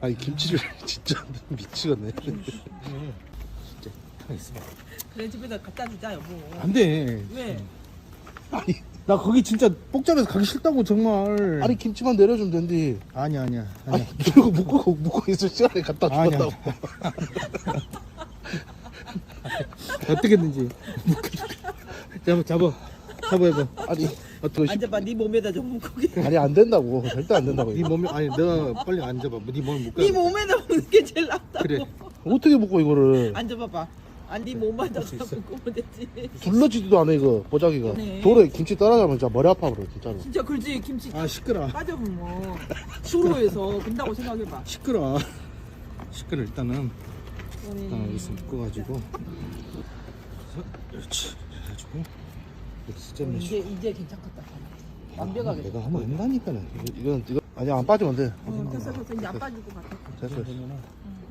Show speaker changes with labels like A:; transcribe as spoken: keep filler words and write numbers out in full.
A: 아니 김치를 진짜 미치겠네.
B: 진짜 가만 있어.
C: 그래 집에다 갖다 주자 여보.
B: 안돼.
C: 왜?
A: 아니
B: 나 거기 진짜 복잡해서 가기 싫다고 정말.
A: 아니 김치만 내려주면 된디.
B: 아니야 아니야 아니야.
A: 아니 이러고 묶고 묶고 있을 시간에 갖다
B: 아니야.
A: 주었다고.
B: 어떻게든지 잡아 잡아 잡아 해봐.
A: 아니 어떻게
C: 앉아봐 네 몸에다 좀 고기.
A: 아니 안 된다고. 절대 안 된다고.
B: 네 몸에 아니 내가 빨리 앉아봐. 네 몸을 묶어.
C: 네 몸에다 먹는 게 제일 낫다.
B: 그래.
A: 어떻게 묶어 이거를?
C: 앉아봐봐. 아네 몸에다 먹으면 되지.
A: 둘러지지도 않아 이거 보자기가.
C: 네.
A: 돌에 김치 떨어지면 진짜 머리 아파 버려 진짜로.
C: 진짜 그렇지 김치
B: 아 시끄러.
C: 빠져면 뭐 수로에서 근다고 생각해봐.
B: 시끄러. 시끄러 일단은
C: 그래.
B: 일단 여기서 묶어가지고. 그렇지. 그래가지고 이렇게
C: 어,
B: 숫자면
C: 이제 이제 괜찮겠다. 완벽하게.
B: 내가 한번 한다니까는.
A: 이건 이거 아니 안 빠지면 돼.
C: 어, 됐어 됐어 이제 안 빠지고 같아.
A: 됐어.
B: 그러면은
C: 응.